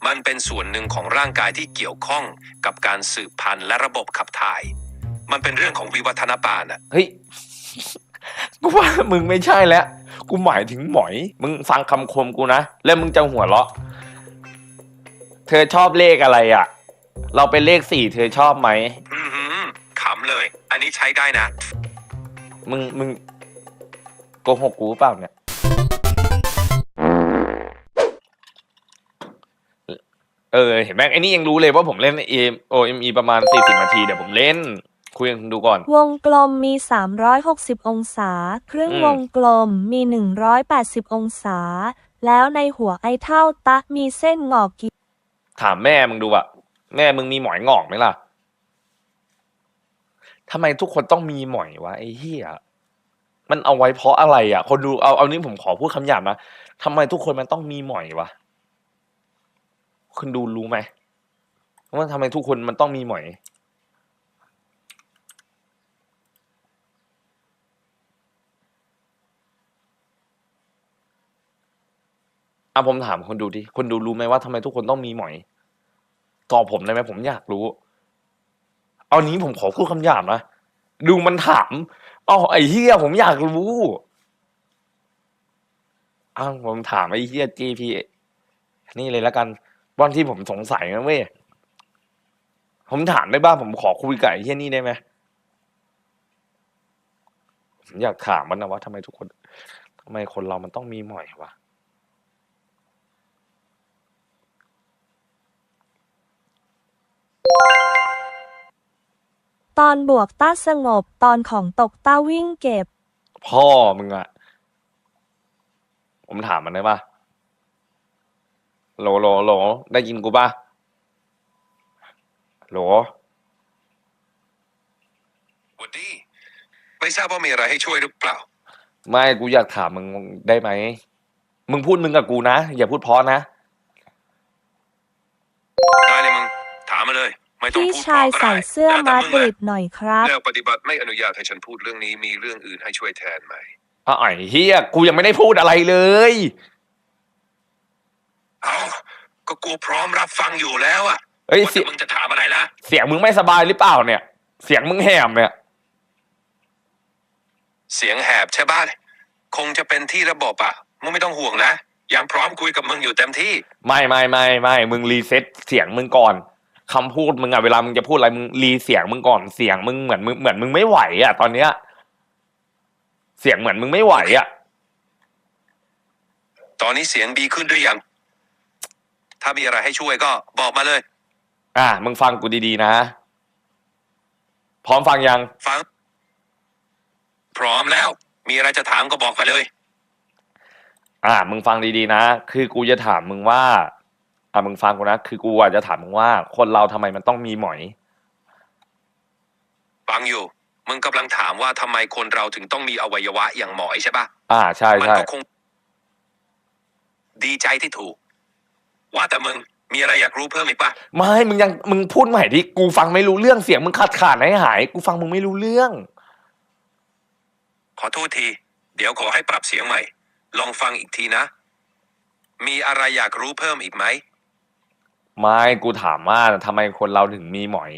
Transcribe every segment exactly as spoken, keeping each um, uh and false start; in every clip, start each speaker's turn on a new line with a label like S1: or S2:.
S1: มันเป็นส่วนหนึ่งของร่างกายที่เกี่ยวข้องกับการสืบพันธุ์และระบบขับถ่ายมันเป็นเรื่องของวิวัฒนาการอ่ะ
S2: เฮ้ยกูว่ามึงไม่ใช่แล้วกูหมายถึงหมอยมึงฟังคำคมกูนะแล้วมึงจะหัวเราะเธอชอบเลขอะไรอ่ะเราเป็นเลขสี่เธอชอบไหม
S1: อือหือขำเลยอันนี้ใช้ได้นะ
S2: มึงมึงโกหกกูเปล่าเนี่ยเออเห็นไหมไอ้นี่ยังรู้เลยว่าผมเล่น เอ็ม โอ เอ็ม อี ประมาณสี่สิบนาทีเดี๋ยวผมเล่นคุยกันดูก่อน
S3: วงกลมมีสามร้อยหกสิบองศาครึ่งวงกลมมีหนึ่งร้อยแปดสิบองศาแล้วในหัวไอ้เท่าตะมีเส้นงอกกี่
S2: ถามแม่มึงดูอะแม่มึงมีหมอยงอกไหมล่ะทำไมทุกคนต้องมีหมอยวะไอ้เหี้ยมันเอาไว้เพราะอะไรอะคนดูเอาเอานี้ผมขอพูดคำหยาบนะทำไมทุกคนมันต้องมีหมอยวะคุณดูรู้ไหมว่าทำไมทุกคนมันต้องมีหมอยอ่ะผมถามคนดูดิคนดูรู้ไหมว่าทำไมทุกคนต้องมีหมอยตอบผมได้ไหมผมอยากรู้เอานี้ผมขอพูดคำหยาบนะดูมันถามอ๋อไอ้เหี้ยผมอยากรู้อ้าวผมถามไอ้เหี้ย จี พี นี่เลยแล้วกันวันที่ผมสงสัยนะเว้ยผมถามได้บ้างผมขอคุยกับไอ้เหี้ยนี่ได้ไหมผมอยากถามมันนะว่าทำไมทุกคนทำไมคนเรามันต้องมีหมอยวะ
S3: ตอนบวกต้าสงบตอนของตกต้าวิ่งเก็บ
S2: พ่อมึงอะผมถามมันได้ปะโหลโหลโหลได้ยินกูปะโหล
S1: สวัสดีไม่ทราบว่ามีอะไรให้ช่วยหรือเปล่า
S2: ไม่กูอยากถามมึงได้ไหมมึงพูดมึงกับกูนะอย่าพูดเพราะนะ
S1: ได้เลยมึงถามมาเลยไม่ต้อง
S3: พี่
S1: พูด
S3: ชายใส่เสื้อมาดริดหน่อยครับ
S1: แล้วปฏิบัติไม่อนุญาตให้ฉันพูดเรื่องนี้มีเรื่องอื่นให้ช่วยแทนไหม
S2: อ้าวไอ้เฮียกูยังไม่ได้พูดอะไรเลย
S1: เอาก็กูพร้อมรับฟังอยู่แล้วอะ
S2: เฮ้ย
S1: เสียงมึงจะถามอะไรล่ะ
S2: เสียงมึงไม่สบายหรือเปล่าเนี่ยเสียงมึงแหบเนี่ย
S1: เสียงแหบใช่ป่ะคงจะเป็นที่ระบบอะมึงไม่ต้องห่วงนะยังพร้อมคุยกับมึงอยู่เต็มที่
S2: ไม่ไม่ไม่ไม่มึงรีเซ็ตเสียงมึงก่อนคำพูดมึงอะเวลามึงจะพูดอะไรมึงรีเสียงมึงก่อนเสียงมึงเหมือนมึงเหมือนมึงไม่ไหวอะตอนเนี้ยเสียงเหมือนมึงไม่ไหวอะ
S1: ตอนนี้เสียงดีขึ้นหรือยังถ้ามีอะไรให้ช่วยก็บอกมาเลย
S2: อ่ะมึงฟังกูดีๆนะพร้อมฟังยัง
S1: ฟังพร้อมแล้วมีอะไรจะถามก็บอกไปเลย
S2: อ่ะมึงฟังดีๆนะคือกูจะถามมึงว่าอ่ะมึงฟังกูนะคือกูอ่ะจะถามมึงว่าคนเราทำไมมันต้องมีหมอย
S1: ฟังอยู่มึงกำลังถามว่าทำไมคนเราถึงต้องมีอวัยวะอย่างหมอยใช่ปะ
S2: อ่าใช่
S1: มัน
S2: ใช่
S1: ก็คงดีใจที่ถูกว่าแต่มึงมีอะไรอยากรู้เพิ่มอีกปะ
S2: ไม่มึงยังมึงพูดใหม่ดิกูฟังไม่รู้เรื่องเสียงมึงขาดขาดหายหายกูฟังมึงไม่รู้เรื่อง
S1: ขอโทษทีเดี๋ยวขอให้ปรับเสียงใหม่ลองฟังอีกทีนะมีอะไรอยากรู้เพิ่มอีกไหม
S2: ไม่กูถามว่าทำไมคนเราถึงมีหมอย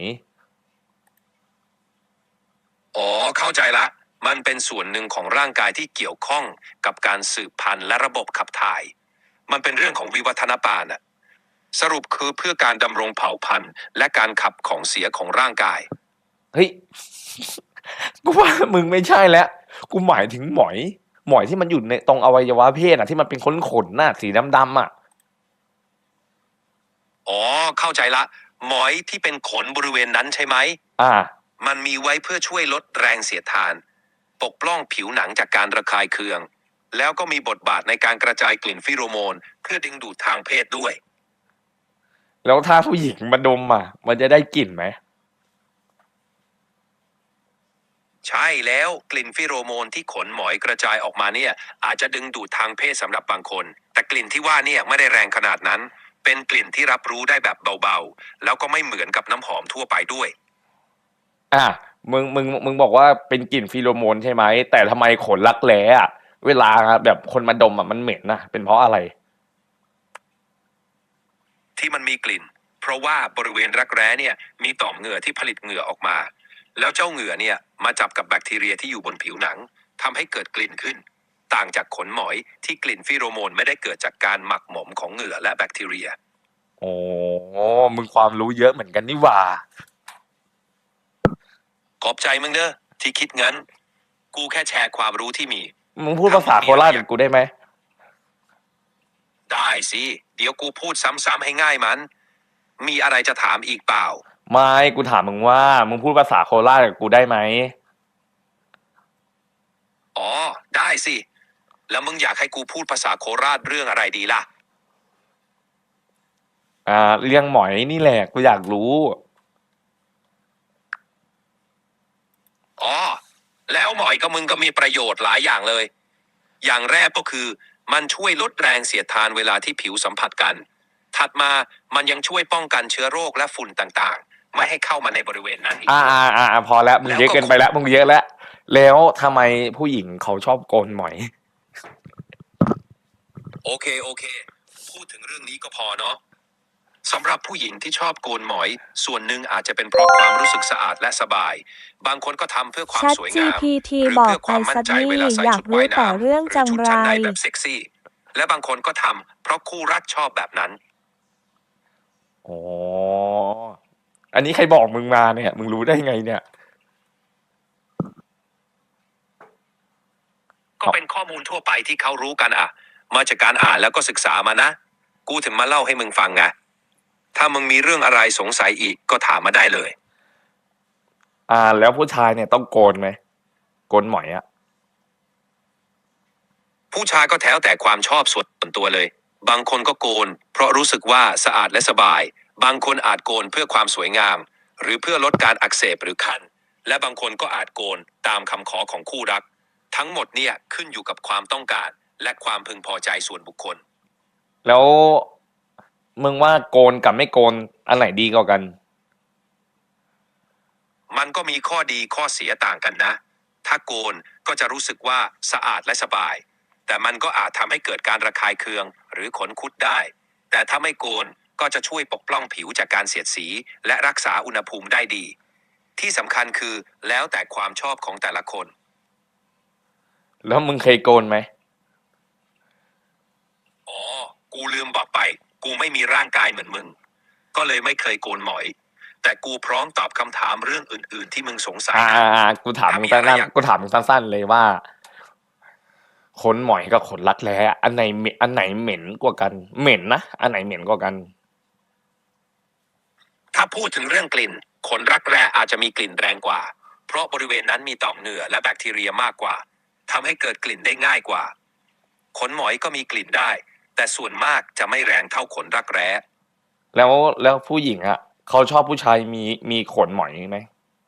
S1: อ๋อเข้าใจละมันเป็นส่วนหนึ่งของร่างกายที่เกี่ยวข้องกับการสืบพันธุ์และระบบขับถ่ายมันเป็นเรื่องของวิวัฒนาการอะสรุปคือเพื่อการดำรงเผ่าพันธุ์และการขับของเสียของร่างกาย
S2: เฮ้ยกูว่ามึงไม่ใช่แล้วกูหมายถึงหมอยหมอยที่มันอยู่ในตรงอวัยวะเพศอ่ะที่มันเป็นขนขนน่ะสีดำๆอ่ะ
S1: อ๋อเข้าใจละหมอยที่เป็นขนบริเวณนั้นใช่ไหม
S2: อ่า
S1: มันมีไว้เพื่อช่วยลดแรงเสียดทานปกป้องผิวหนังจากการระคายเคืองแล้วก็มีบทบาทในการกระจายกลิ่นฟิโรโมนเพื่อดึงดูดทางเพศด้วย
S2: แล้วถ้าผู้หญิงมาดมอ่ะมันจะได้กลิ่นไหม
S1: ใช่แล้วกลิ่นฟิโรโมนที่ขนหมอยกระจายออกมาเนี่ยอาจจะดึงดูดทางเพศสำหรับบางคนแต่กลิ่นที่ว่าเนี่ยไม่ได้แรงขนาดนั้นเป็นกลิ่นที่รับรู้ได้แบบเบาๆแล้วก็ไม่เหมือนกับน้ำหอมทั่วไปด้วย
S2: อ่ะมึงมึงมึงบอกว่าเป็นกลิ่นฟีโรโมนใช่ไหมแต่ทำไมขนรักแร้อ่ะเวลาแบบคนมาดมอ่ะมันเหม็นนะเป็นเพราะอะไร
S1: ที่มันมีกลิ่น เพราะว่าบริเวณรักแร้เนี่ยมีต่อมเหงื่อที่ผลิตเหงื่อออกมา แล้วเจ้าเหงื่อเนี่ยมาจับกับแบคทีเรียที่อยู่บนผิวหนังทำให้เกิดกลิ่นขึ้น ต่างจากขนหมอยที่กลิ่นฟีโรโมนไม่ได้เกิดจากการหมักหมมของเหงื่อและแบคทีเรีย
S2: โอ้มึงความรู้เยอะเหมือนกันนี่หว่า
S1: ขอบใจมึงเด้อที่คิดงั้น กูแค่แชร์ความรู้ที่มี
S2: มึงพูดภาษาโคราชกับกูได้ไหม
S1: ได้สิ เดี๋ยวกูพูดซ้ำๆให้ง่ายมัน มีอะไรจะถามอีกเปล่า
S2: ไม่กูถามมึงว่า มึงพูดภาษาโคราชกับกูได้ไหม
S1: อ๋อ ได้สิ แล้วมึงอยากให้กูพูดภาษาโคราชเรื่องอะไรดีล่ะ
S2: อ่าเรื่องหมอยนี่แหละกูอยากรู้
S1: อ๋อ แล้วหมอยกับมึงก็มีประโยชน์หลายอย่างเลย อย่างแรกก็คือ มันช่วยลดแรงเสียดทานเวลาที่ผิวสัมผัสกัน ถัดมามันยังช่วยป้องกันเชื้อโรคและฝุ่นต่างๆ ไม่ให้เข้ามาในบริเวณนั้นอีก
S2: อ่าอ่าอ่าพอแล้วมึงเยอะเกินไปแล้วมึงเยอะแล้ว แล้วทำไมผู้หญิงเขาชอบโกนหมอย
S1: โอเคโอเค พูดถึงเรื่องนี้ก็พอเนาะสำหรับผู้หญิงที่ชอบโกนหมอย ส่วนหนึ่งอาจจะเป็นเพราะความรู้สึกสะอาดและสบาย บางคนก็ทำเพื่อความ
S3: Chat
S1: สวย
S3: จี
S1: งาม
S3: พี ที
S1: หรื
S3: บอก
S1: เพื่อความมั่นใจ
S3: ไปสักนี่
S1: เวลาใส่
S3: อยาก
S1: ชุดว่าย
S3: รู้แต่
S1: น้ำห
S3: เรื่อง
S1: รือ
S3: จัง
S1: ชุด
S3: ไร
S1: ชั้นในแบบเซ็กซี่ และบางคนก็ทำเพราะคู่รักชอบแบบนั้น
S2: อ๋อ อันนี้ใครบอกมึงมาเนี่ย มึงรู้ได้ไงเนี่ย
S1: ก็เป็นข้อมูลทั่วไปที่เขารู้กันอ่ะ มาจากการอ่านแล้วก็ศึกษามานะ กูถึงมาเล่าให้มึงฟังไง ถ้ามึงมีเรื่องอะไรสงสัยอีกก็ถามมาได้เลย
S2: อ่า แล้วผู้ชายเนี่ยต้องโกนไหม โกนหมอยอะ
S1: ผู้ชายก็แถวแต่ความชอบส่วนตัวเลย บางคนก็โกน เพราะรู้สึกว่าสะอาดและสบาย บางคนอาจโกนเพื่อความสวยงาม หรือเพื่อลดการอักเสบหรือคัน และบางคนก็อาจโกนตามคำขอของคู่รัก ทั้งหมดเนี่ยขึ้นอยู่กับความต้องการและความพึงพอใจส่วนบุคคล
S2: แล้วมึงว่าโกนกับไม่โกนอันไหนดีกว่ากัน
S1: มันก็มีข้อดีข้อเสียต่างกันนะ ถ้าโกนก็จะรู้สึกว่าสะอาดและสบาย แต่มันก็อาจทำให้เกิดการระคายเคืองหรือขนคุดได้ แต่ถ้าไม่โกนก็จะช่วยปกป้องผิวจากการเสียดสีและรักษาอุณหภูมิได้ดี ที่สำคัญคือแล้วแต่ความชอบของแต่ละคน
S2: แล้วมึงเคยโกนไหม
S1: อ๋อ กูลืมบอกไป กูไม่มีร่างกายเหมือนมึง ก็เลยไม่เคยโกนหมอย แต่กูพร้อมตอบคำถามเรื่องอื่น ๆ ที่มึงสงสัย
S2: อ่า
S1: นะ
S2: อ่าอ่ากูถามมึงสั้
S1: ถ้ามีอะไร
S2: น
S1: อยาก
S2: ๆกูถามมึงสั้นๆเลยว่า ขนหมอยกับขนรักแร้อันไหนเหม็นอันไหนเหม็นกว่ากัน เหม็นนะ อันไหนเหม็นกว่ากัน
S1: ถ้าพูดถึงเรื่องกลิ่น ขนรักแร้อาจจะมีกลิ่นแรงกว่า เพราะบริเวณนั้นมีต่อมเหงื่อและแบคทีเรียมากกว่าทำให้เกิดกลิ่นได้ง่ายกว่า ขนหมอยก็มีกลิ่นได้ แต่ส่วนมากจะไม่แรงเท่าขนรักแร้
S2: แล้วแล้วผู้หญิงอ่ะเขาชอบผู้ชายมีมีขนหมอยไหม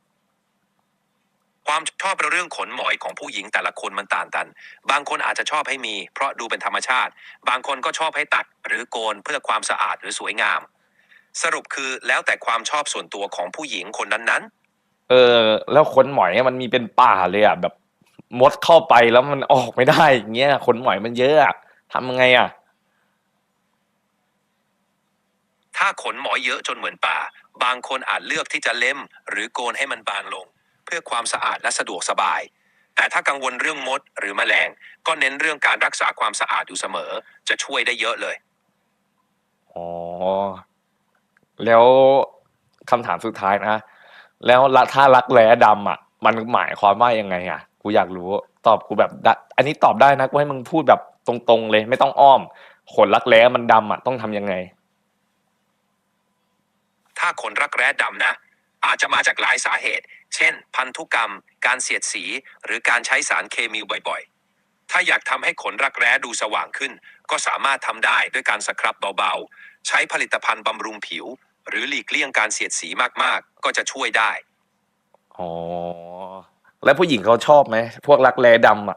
S1: ความชอบเรื่องขนหมอยของผู้หญิงแต่ละคนมันต่างกัน บางคนอาจจะชอบให้มี เพราะดูเป็นธรรมชาติ บางคนก็ชอบให้ตัดหรือโกนเพื่อความสะอาดหรือสวยงาม สรุปคือแล้วแต่ความชอบส่วนตัวของผู้หญิงคนนั้นๆ
S2: เออ แล้วขนหมอยมันมีเป็นป่าเลยอ่ะแบบมดเข้าไปแล้วมันออกไม่ได้อย่างเงี้ยขนหมอยมันเยอะอะทำยังไงอ่ะ
S1: ถ้าขนหมอยเยอะจนเหมือนป่า บางคนอาจเลือกที่จะเล็มหรือโกนให้มันบางลง เพื่อความสะอาดและสะดวกสบาย แต่ถ้ากังวลเรื่องมดหรือแมลง ก็เน้นเรื่องการรักษาความสะอาดอยู่เสมอ จะช่วยได้เยอะเลย
S2: อ๋อ แล้วคำถามสุดท้ายนะ แล้วละถ้ารักแร้ดำอ่ะ มันหมายความว่ายังไงอ่ะ กูอยากรู้ ตอบกูแบบดะอันนี้ตอบได้นะ กูให้มึงพูดแบบตรงๆเลย ไม่ต้องอ้อม ขนรักแร้มันดำอ่ะ ต้องทำยังไง
S1: ถ้าขนรักแร้ดำนะ อาจจะมาจากหลายสาเหตุ เช่น พันธุกรรม การเสียดสี หรือการใช้สารเคมีบ่อยๆ ถ้าอยากทำให้ขนรักแร้ดูสว่างขึ้น ก็สามารถทำได้ด้วยการสครับเบาๆ ใช้ผลิตภัณฑ์บำรุงผิว หรือหลีกเลี่ยงการเสียดสีมากๆ ก็จะช่วยได้
S2: อ๋อ แล้วผู้หญิงเขาชอบไหม พวกรักแร้ดำอ่ะ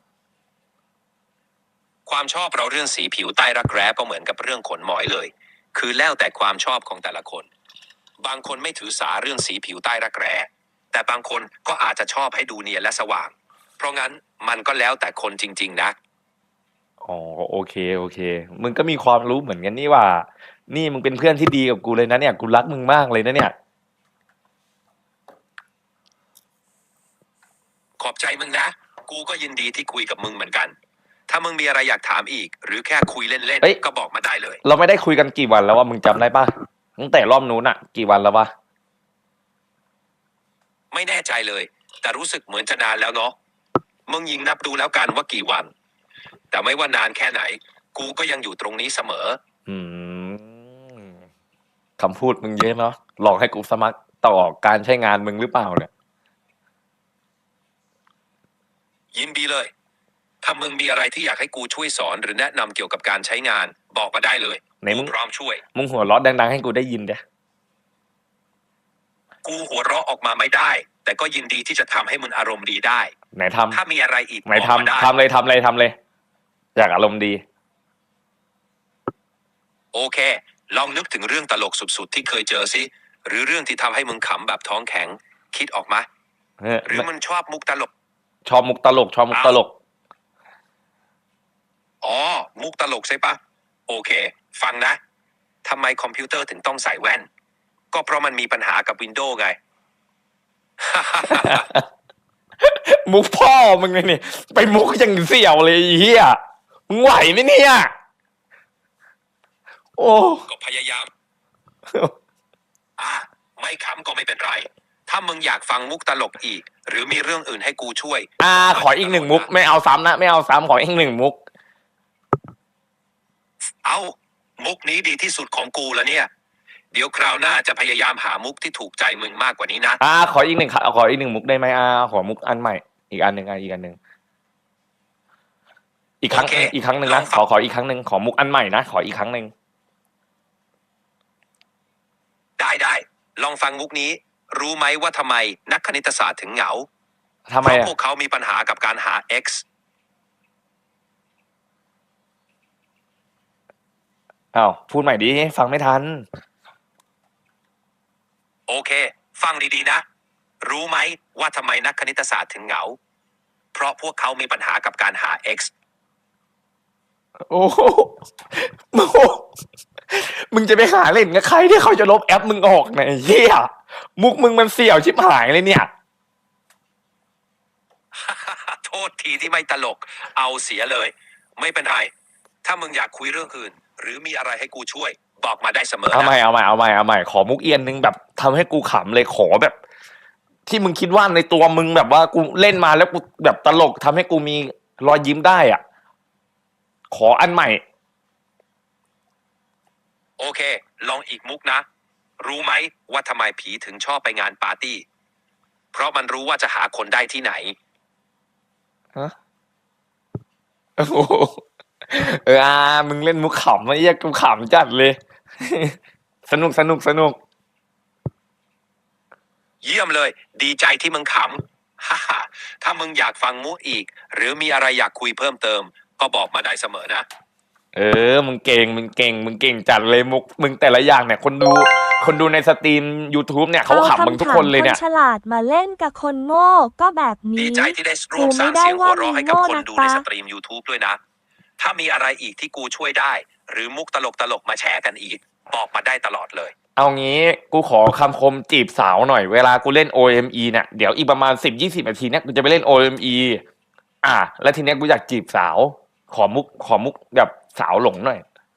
S1: ความชอบเราเรื่องสีผิวใต้รักแร้ก็เหมือนกับเรื่องขนหมอยเลย คือแล้วแต่ความชอบของแต่ละคน บางคนไม่ถือสาเรื่องสีผิวใต้รักแร้ แต่บางคนก็อาจจะชอบให้ดูเนียนและสว่าง เพราะงั้นมันก็แล้วแต่คนจริงๆนะ
S2: อ๋อ โอเค โอเค มึงก็มีความรู้เหมือนกันนี่ว่านี่มึงเป็นเพื่อนที่ดีกับกูเลยนะเนี่ยกูรักมึงมากเลยนะเนี่ย
S1: ขอบใจมึงนะ กูก็ยินดีที่คุยกับมึงเหมือนกัน ถ้ามึงมีอะไรอยากถามอีก หรือแค่คุยเล่น
S2: เฮ้ย
S1: ๆก็บอกมาได้เลย
S2: เราไม่ได้คุยกันกี่วันแล้วว่ามึงจำได้ปะตั้งแต่รอบนู้นอะกี่วันแล้ววะ
S1: ไม่แน่ใจเลย แต่รู้สึกเหมือนจะนานแล้วเนาะมึงยิงนับดูแล้วกันว่ากี่วัน แต่ไม่ว่านานแค่ไหน กูก็ยังอยู่ตรงนี้เสมอ
S2: อืมคำพูดมึงเยอะเนาะหลอกให้กูสมัครต่อการใช้งานมึงหรือเปล่าเนี่ย
S1: ยินดีเลย ถ้ามึงมีอะไรที่อยากให้กูช่วยสอนหรือแนะนำเกี่ยวกับการใช้งาน บอกมาได้เลย
S2: ไหนมึ
S1: กู
S2: ง
S1: พร้อมช่วย
S2: มึงหัวเราะดังๆให้กูได้ยินเด้
S1: กูหัวเราะออกมาไม่ได้ แต่ก็ยินดีที่จะทำให้มึงอารมณ์ดีได้
S2: ไหนทำ
S1: ถ้ามีอะไรอีก
S2: ไหน
S1: บอกมาได้
S2: ทำทำเลยทำเลยทำเลย อยากอารมณ์ดี
S1: โอเค ลองนึกถึงเรื่องตลกสุดๆที่เคยเจอสิ หรือเรื่องที่ทำให้มึงขำแบบท้องแข็ง คิดออกมา
S2: เออ
S1: หรือมันชอบมุกตลก
S2: ชอบมุกตลกชอบมุกตลก
S1: อ๋อ มุกตลกใช่ปะ โอเค ฟังนะทำไมคอมพิวเตอร์ถึงต้องใส่แว่น ก็เพราะมันมีปัญหากับวินโดว์ไง
S2: มุกพ่อมึงเลยนี่ไปมุกอย่างเสี่ยวเลยไอ้เฮียมึงไหวไหมเนี่ย โอ้
S1: ก็พยายาม อ่ะไม่ขำก็ไม่เป็นไร ถ้ามึงอยากฟังมุกตลกอีก หรือมีเรื่องอื่นให้กูช่วย
S2: อ่า ขออีกหนึ่งมุก ไม่เอาซ้ำนะไม่เอาซ้ำขออีกหนึ่งมุก
S1: เอามุกนี้ดีที่สุดของกูแล้วเนี่ย เดี๋ยวคราวหน้าจะพยายามหามุกที่ถูกใจมึงมากกว่านี้นะ
S2: อ่า ขออีกหนึ่งขออีกหนึ่งมุกได้ไหมอ่าขอมุกอันใหม่ อีกอันหนึ่งอ่ะอีกอันหนึ่งอีกครั้ง
S1: โอเค
S2: อีกครั้งหนึ่งนะ
S1: ลองฟัง
S2: ขอขออีกครั้งหนึ่งขอมุกอันใหม่นะขออีกครั้งหนึ่ง
S1: ได้ได้ลองฟังมุกนี้ รู้ไหมว่าทำไมนักคณิตศาสตร์ถึงเหงา
S2: ทำ
S1: เพ
S2: ไม
S1: ราะ
S2: อ่ะ
S1: พวกเขามีปัญหากับการหา x
S2: อ้าวพูดใหม่ดิฟังไม่ทัน
S1: โอเค ฟังดีๆนะ รู้ไหมว่าทำไมนักคณิตศาสตร์ถึงเหงา เพราะพวกเขามีปัญหากับการหา x
S2: โอ้โหโอ้โหมึงจะไปหาเล่นกับใครที่เขาจะลบแอปมึงออกเนี่ยไอ้เฮียมุกมึงมันเสี่ยวชิบหายเลยเนี่ย
S1: โทษทีที่ไม่ตลก เอาเสียเลย ไม่เป็นไร ถ้ามึงอยากคุยเรื่องอื่น หรือมีอะไรให้กูช่วย บอกมาได้เสมอ
S2: เอาใหม่
S1: นะ
S2: เอาใหม่เอาใหม่เอาใหม่ขอมุกเอียนหนึ่งแบบทำให้กูขำเลยขอแบบ ที่มึงคิดว่าในตัวมึงแบบว่ากูเล่นมาแล้วกูแบบตลกทำให้กูมีรอยยิ้มได้อ่ะ ขออันใหม่
S1: โอเค ลองอีกมุกนะ รู้ไหมว่าทำไมผีถึงชอบไปงานปาร์ตี้ เพราะมันรู้ว่าจะหาคนได้ที่ไหน
S2: ฮะโอ้โหเอออามึงเล่นมุกขำไอ้เหี้ยกูขำจัดเลย สนุกสนุกสนุก
S1: เยี่ยมเลย ดีใจที่มึงขำ ฮ่าฮ่าถ้ามึงอยากฟังมุกอีก หรือมีอะไรอยากคุยเพิ่มเติม ก็บอกมาได้เสมอนะ
S2: เออ มึงเก่ง มึงเก่ง มึงเก่งจัดเลยมุก มึงแต่ละอย่างเนี่ย คนดู คนดูในสตรีม YouTube เนี่ยเขาขำมึงทุกคนเลยเนี่ย
S3: อาำถามคนฉลาดมาเล่นกับคนโง่ก็แบบ
S1: ดี
S3: นี้
S1: ใจที่ได้ร่วมสร้างเสียงหัวเราะให้กับคนดูในสตรีม YouTube ด้วยนะ ถ้ามีอะไรอีกที่กูช่วยได้ หรือมุกตลกตลกๆมาแชร์กันอีก บอกมาได้ตลอดเลย
S2: เอางี้ กูขอคำคมจีบสาวหน่อย เวลากูเล่น โอ เอ็ม อี เนี่ย เดี๋ยวอีกประมาณสิบยี่สิบนาทีเนี่ยกูจะไปเล่น โอ เอ็ม อี อ่ะ แล้วทีเนี้ยกูอยากจีบสาว ขอมุก ขอมุกแบบสาวหลงหน่อย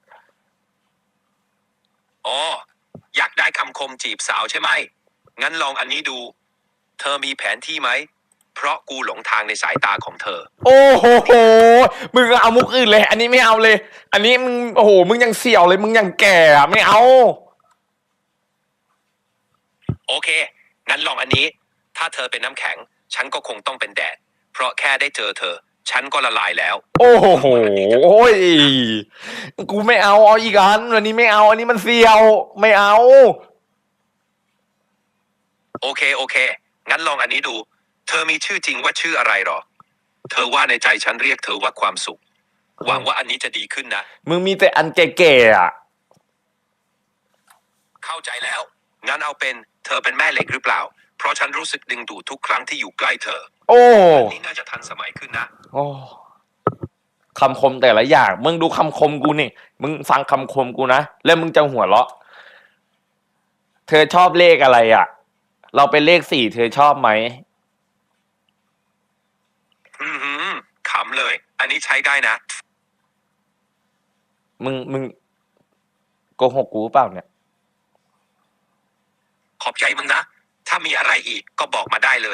S1: อ๋อ อยากได้คำคมจีบสาวใช่ไหม งั้นลองอันนี้ดู เธอมีแผนที่ไหม เพราะกูหลงทางในสายตาของเธอ
S2: โอ้โหโห มึงเอามุกอื่นเลย อันนี้ไม่เอาเลย อันนี้มึง โอ้โห มึงยังเสี่ยวเลย มึงยังแก่อะไม่เอา
S1: โอเค งั้นลองอันนี้ ถ้าเธอเป็นน้ำแข็ง ฉันก็คงต้องเป็นแดด เพราะแค่ได้เจอเธอ ฉันก็ละลายแล้ว
S2: โอ้โหโอ้ย กูไม่เอา เอาอีกอันอันนี้ไม่เอา อันนี้มันเสี่ยว ไม่เอา
S1: โอเค โอเค งั้นลองอันนี้ดู เธอมีชื่อจริงว่าชื่ออะไรหรอ เธอว่าในใจฉันเรียกเธอว่าความสุข หวังว่าอันนี้จะดีขึ้นนะ
S2: มึงมีแต่อันแก่ๆอ่ะ
S1: เข้าใจแล้ว งั้นเอาเป็น เธอเป็นแม่เหล็กหรือเปล่า เพราะฉันรู้สึกดึงดูดทุกครั้งที่อยู่ใกล้เธอ
S2: โอ้
S1: อันนี้น่าจะทันสมัยขึ้นนะ
S2: โอ้คำคมแต่ละอย่างมึงดูคำคมกูนี่มึงฟังคำคมกูนะแล้วมึงจะหัวเราะเธอชอบเลขอะไรอ่ะเราเป็นเลขสี่เธอชอบไหม
S1: อือหือขำเลย อันนี้ใช้ได้นะ
S2: มึงมึงโกหกกูเปล่าเนี่ย
S1: ขอบใจมึงนะ ถ้ามีอะไรอีกก็บอกมาได้เลย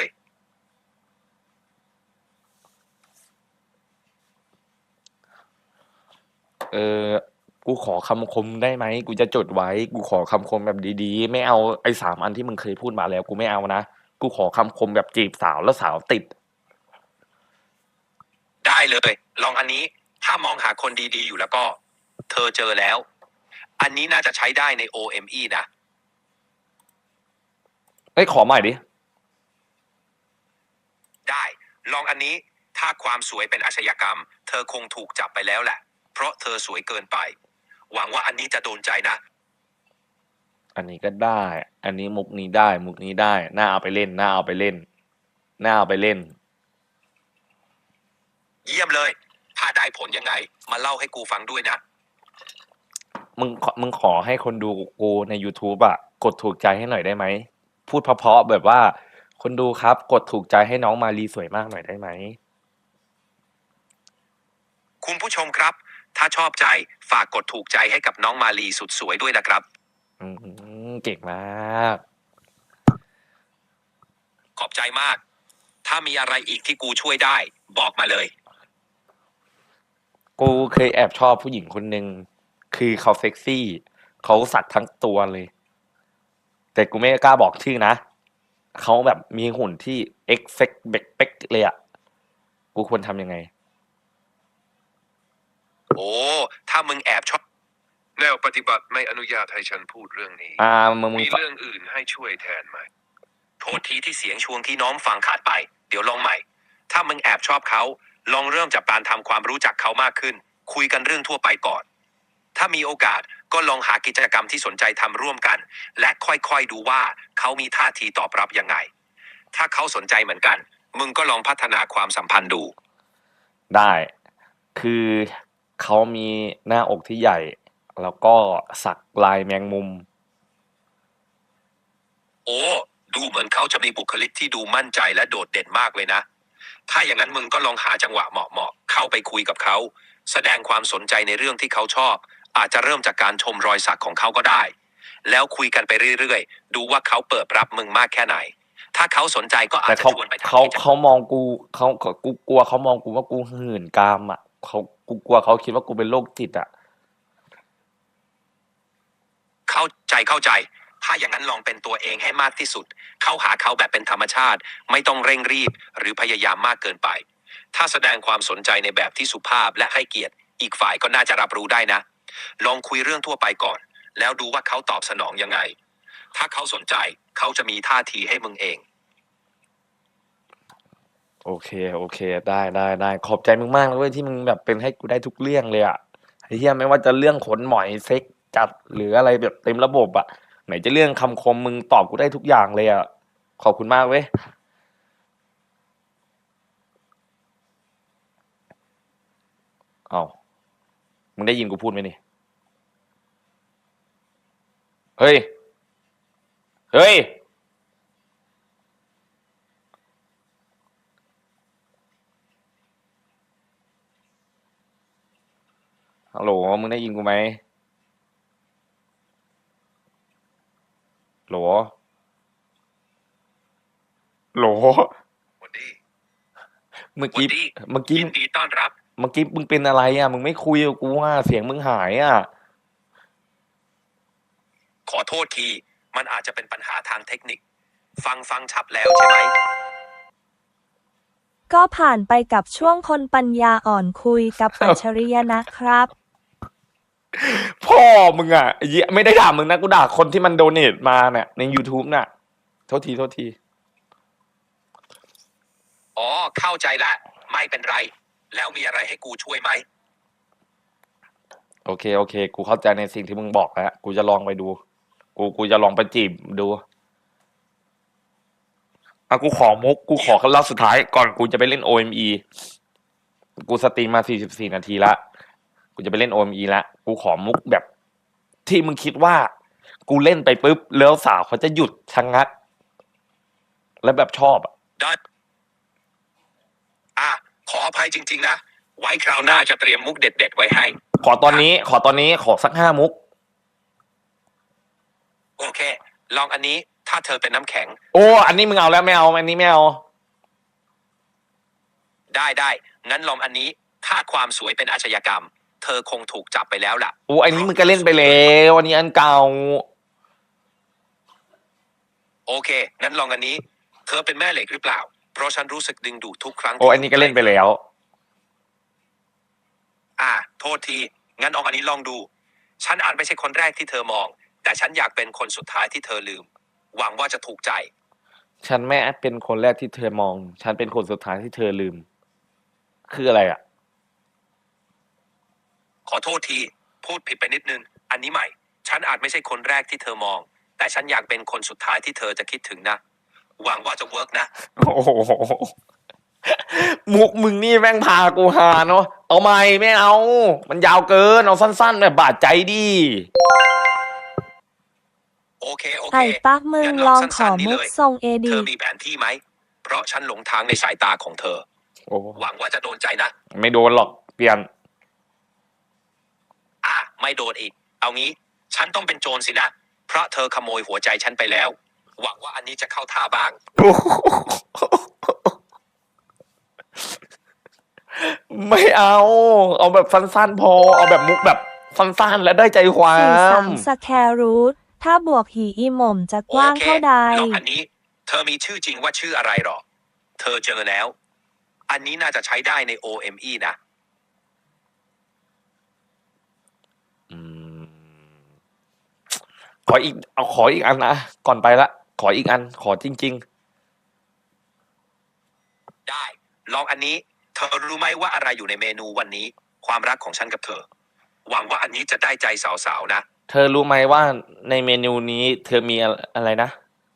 S2: เออกูขอคำคมได้ไหมกูจะจดไว้กูขอคำคมแบบดีๆไม่เอาไอ้สามอันที่มึงเคยพูดมาแล้วกูไม่เอานะกูขอคำคมแบบจีบสาวแล้วสาวติด
S1: ได้เลย ลองอันนี้ ถ้ามองหาคนดีๆอยู่แล้วก็ เธอเจอแล้ว อันนี้น่าจะใช้ได้ใน โอ เอ็ม อี นะ
S2: เอ้ยขอใหม่ดิ
S1: ได้ ลองอันนี้ ถ้าความสวยเป็นอาชญากรรม เธอคงถูกจับไปแล้วแหละ เพราะเธอสวยเกินไป หวังว่าอันนี้จะโดนใจนะ
S2: อันนี้ก็ได้ อันนี้มุกนี้ได้ มุกนี้ได้ น่าเอาไปเล่น น่าเอาไปเล่น น่าเอาไปเล่น
S1: เยี่ยมเลย ถ้าได้ผลยังไง มาเล่าให้กูฟังด้วยนะ
S2: มึงขอมึงขอให้คนดูกูใน YouTube อ่ะ กดถูกใจให้หน่อยได้ไหม พูดเพราะๆแบบว่า คนดูครับ กดถูกใจให้น้องมาลีสวยมากหน่อยได้ไหม
S1: คุณผู้ชมครับ ถ้าชอบใจฝากกดถูกใจให้กับน้องมาลีสุดสวยด้วยนะครับ
S2: อืมเก่งมาก
S1: ขอบใจมาก ถ้ามีอะไรอีกที่กูช่วยได้ บอกมาเลย
S2: กูเคยแอบชอบผู้หญิงคนหนึ่งคือเขาเซ็กซี่ เขาสักทั้งตัวเลย แต่กูไม่กล้าบอกชื่อนะ เขาแบบมีหุ่นที่เอ็กเซ็กเบกเป๊กเลยอะกูควรทำยังไง
S1: โอ้ ถ้ามึงแอบชอบแนวปฏิบัติไม่อนุญาตให้ฉันพูดเรื่องนี้
S2: อ่ามึงมึง
S1: มีเรื่องอื่นให้ช่วยแทนไหม โทษทีที่เสียงช่วงที่น้องฟังขาดไป เดี๋ยวลองใหม่ ถ้ามึงแอบชอบเขา ลองเริ่มจากการทำความรู้จักเขามากขึ้น คุยกันเรื่องทั่วไปก่อน ถ้ามีโอกาสก็ลองหากิจกรรมที่สนใจทำร่วมกัน และค่อยๆดูว่าเขามีท่าทีตอบรับยังไง ถ้าเขาสนใจเหมือนกัน มึงก็ลองพัฒนาความสัมพันธ์ดู
S2: ได้ คือเขามีหน้าอกที่ใหญ่ แล้วก็สักลายแมงมุม
S1: โอ้ ดูเหมือนเขาจะมีบุคลิกที่ดูมั่นใจและโดดเด่นมากเลยนะ ถ้าอย่างนั้นมึงก็ลองหาจังหวะเหมาะๆเข้าไปคุยกับเขา แสดงความสนใจในเรื่องที่เขาชอบ อาจจะเริ่มจากการชมรอยสักของเขาก็ได้ แล้วคุยกันไปเรื่อยๆ ดูว่าเขาเปิดรับมึงมากแค่ไหน ถ้าเขาสนใจก็อา
S2: แต่
S1: จจะ
S2: เขา
S1: ชวนไปทำ
S2: เขา
S1: กิจกรรม
S2: เขามองกูเขาเขากูกลัวเขามองกูว่ากูหื่นกามอ่ะเขากูกลัวเขาคิดว่ากูเป็นโรคจิตอ่ะ
S1: เข้าใจเข้าใจ ถ้าอย่างนั้นลองเป็นตัวเองให้มากที่สุด เข้าหาเขาแบบเป็นธรรมชาติ ไม่ต้องเร่งรีบ หรือพยายามมากเกินไป ถ้าแสดงความสนใจในแบบที่สุภาพและให้เกียรติ อีกฝ่ายก็น่าจะรับรู้ได้นะ ลองคุยเรื่องทั่วไปก่อน แล้วดูว่าเขาตอบสนองยังไง ถ้าเขาสนใจ เขาจะมีท่าทีให้มึงเอง
S2: โอเคโอเค ได้ได้ได้ขอบใจมึงมากเลยเว้ยที่มึงแบบเป็นให้กูได้ทุกเรื่องเลยอ่ะไอ้เหี้ยไม่ว่าจะเรื่องขนหมอยเซ็กจัดหรืออะไรแบบเต็มระบบอ่ะไหนจะเรื่องคำคมมึงตอบกูได้ทุกอย่างเลยอ่ะขอบคุณมากเว้ยเอ้ามึงได้ยินกูพูดไหมนี่เฮ้ยเฮ้ยฮัลโหลมึงได้ยินกูไหมโหลโหล
S1: วันดี
S2: เมื่อ
S1: วัน
S2: กี้
S1: ดี
S2: เมื่อกี้
S1: ยินดีต้อนรับ
S2: เมื่อกี้มึงเป็นอะไรอ่ะ มึงไม่คุยกับกูอ่ะ เสียงมึงหายอ่ะ
S1: ขอโทษที มันอาจจะเป็นปัญหาทางเทคนิค ฟังฟังชับแล้วใช่ไหม
S3: ก็ผ่านไปกับช่วงคนปัญญาอ่อนคุยกับอัจฉริยะนะครับ
S2: พ่อมึงอ่ะไอ้เหี้ยไม่ได้ด่ามึงนะ กูด่าคนที่มันโดเนทมาเนี่ยใน YouTube น่ะ โทษที โทษที
S1: อ๋อ เข้าใจละ ไม่เป็นไร แล้วมีอะไรให้กูช่วยไหม
S2: โอเค โอเค กูเข้าใจในสิ่งที่มึงบอกแล้ว กูจะลองไปดู กู กูจะลองไปจีบดูอ่ะกูขอมุก กูขอคำเล่าสุดท้ายก่อนกูจะไปเล่น โอ เอ็ม อีกูสตรีมมาสี่สิบสี่นาทีละกูจะไปเล่น โอ เอ็ม อี ละกูขอมุกแบบที่มึงคิดว่า กูเล่นไปปุ๊บแล้วสาวเขาจะหยุดชะงัก แล้วแบบชอบอ่ะ
S1: ได้อ่ะขออภัยจริงๆนะไว้คราวหน้าจะเตรียมมุกเด็ดๆไว้ให้
S2: ขอตอนนี้ ขอตอนนี้ขอสักห้ามุก
S1: โอเค ลองอันนี้ถ้าเธอเป็นน้ำแข็ง
S2: โอ้อันนี้มึงเอาแล้วไม่เอาอันนี้ไม่เอา
S1: ได้ได้งั้นลองอันนี้ถ้าความสวยเป็นอาชญากรรม เธอคงถูกจับไปแล้วล่ะ
S2: โอ้อันนี้มึงก็เล่นไปแล้วอันนี้อันเก่า
S1: โอเคงั้นลองอันนี้ เธอเป็นแม่เหล็กหรือเปล่า เพราะฉันรู้สึกดึงดูดทุกครั้ง
S2: โอ้อันนี้ก็เล่นไปแล้ว
S1: อ่าโทษทีงั้นเอาอันนี้ลองดู ฉันอาจไม่ใช่คนแรกที่เธอมอง แต่ฉันอยากเป็นคนสุดท้ายที่เธอลืม หวังว่าจะถูกใจ
S2: ฉันไม่เป็นคนแรกที่เธอมอง ฉันเป็นคนสุดท้ายที่เธอลืม คืออะไรอ่ะ
S1: ขอโทษทีพูดผิดไปนิดนึง อันนี้ใหม่ ฉันอาจไม่ใช่คนแรกที่เธอมอง แต่ฉันอยากเป็นคนสุดท้ายที่เธอจะคิดถึงนะ หวังว่าจะเวิร์กนะ
S2: โอ้โหมุกมึงนี่แม่งพากูหาเนาะเอาไม่ไม่เอา มันยาวเกินเอาสั้นๆแบบบาดใจดิ
S1: โอเคโอเค
S3: ไอ้ปั๊กมึง
S1: งั้น
S3: ลอง
S1: สั้นๆ
S3: ขอ
S1: นี่
S3: มุก
S1: เลย
S3: ทรงเอ
S1: เธ
S3: ดี
S1: อมีแผนที่ไหม เพราะฉันหลงทางในสายตาของเธอ
S2: โอ้
S1: หวังว่าจะโดนใจนะ
S2: ไม่โดนหรอกเปลี่ยน
S1: อ่ะไม่โดนอีก เอางี้ ฉันต้องเป็นโจรสินะ เพราะเธอขโมยหัวใจฉันไปแล้ว หวังว่าอันนี้จะเข้าท่าบ้าง
S2: ไม่เอา เอาแบบสั้นๆพอ เอาแบบมุกแบบสั้นๆและได้ใจควา
S3: สี่สาม
S2: ม
S3: สแครูทถ้าบวกหีอีหม่มจะกว้าง
S1: โอเค
S3: เท่าใด
S1: ลองอันนี้ เธอมีชื่อจริงว่าชื่ออะไรหรอ เธอเจอแล้ว อันนี้น่าจะใช้ได้ใน โอ เอ็ม อี นะ
S2: อืมขออีก เอาขออีกอันนะก่อนไปละ ขออีกอัน ขอจริง
S1: ได้ ลองอันนี้ เธอรู้ไหมว่าอะไรอยู่ในเมนูวันนี้ ความรักของฉันกับเธอ หวังว่าอันนี้จะได้ใจสาวๆนะ
S2: ๆ เธอรู้ไหมว่าในเมนูนี้เธอมีอะไรนะ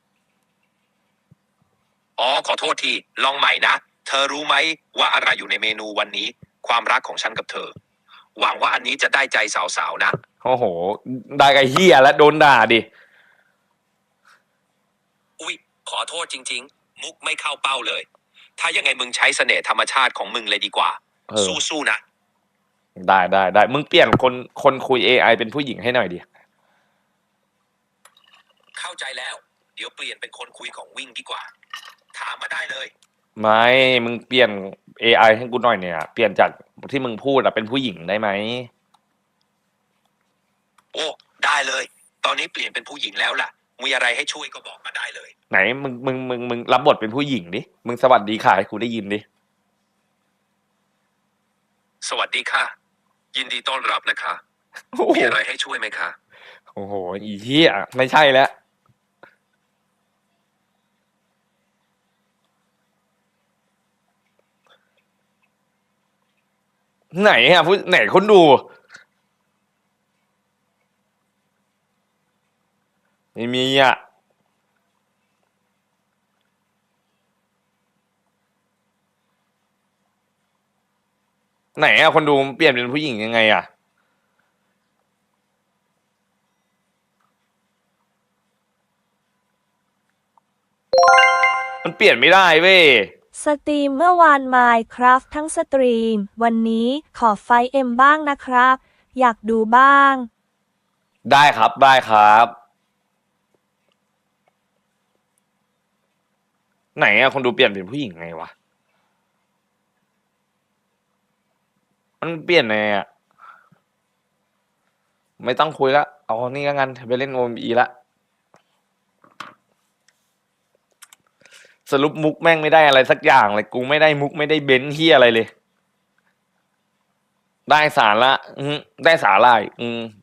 S1: อ๋อขอโทษที ลองใหม่นะ เธอรู้ไหมว่าอะไรอยู่ในเมนูวันนี้ ความรักของฉันกับเธอ หวังว่าอันนี้จะได้ใจสาวๆนะ
S2: โอ้โห ได้กับเฮียแล้วโดนด่าดิ
S1: อุ๊ย ขอโทษจริงๆ มุกไม่เข้าเป้าเลย ถ้ายังไงมึงใช้เสน่ห์ธรรมชาติของมึงเลยดีกว่า
S2: เออ
S1: สู้ๆนะ
S2: ได้ได้ได้ มึงเปลี่ยนคนคนคุย เอ ไอ เป็นผู้หญิงให้หน่อยดิ
S1: เข้าใจแล้ว เดี๋ยวเปลี่ยนเป็นคนคุยของวิ่งดีกว่า ถามมาได้เลย
S2: ไม่ มึงเปลี่ยน เอ ไอ ให้กูหน่อยเนี่ย เปลี่ยนจากที่มึงพูดอะเป็นผู้หญิงได้ไหม
S1: โอ้ ได้เลย ตอนนี้เปลี่ยนเป็นผู้หญิงแล้วล่ะ มีอะไรให้ช่วยก็บอกมาได้เลย
S2: ไหนมึงมึงมึงมึงรับบทเป็นผู้หญิงดิ มึงสวัสดีค่ะให้กูได้ยินดิ
S1: สวัสดีค่ะ ยินดีต้อนรับนะคะ
S2: โอ้โห
S1: มีอะไรให้ช่วยไหมคะ
S2: โอ้โห อีเหี้ยไม่ใช่แล้ว ไหนอะผู้ไหนคนดู ไม่มีอ่ะ ไหนอะคนดูเปลี่ยนเป็นผู้หญิงยังไงอะมันเปลี่ยนไม่ได้เว้ย
S3: สตรีมเมื่อวานมายครับทั้งสตรีม วันนี้ขอไฟเอ็มบ้างนะครับ อยากดูบ้าง
S2: ได้ครับได้ครับ ไหนอะคนดูเปลี่ยนเป็นผู้หญิงไงวะ มันเปลี่ยนไงอะไม่ต้องคุยละเอานี่ก็งั้นไปเล่นโอมอีละสรุปมุกแม่งไม่ได้อะไรสักอย่างเลยกูไม่ได้มุกไม่ได้เบนซ์เฮียอะไรเลย ได้สาระอืมได้สาระอีกอืม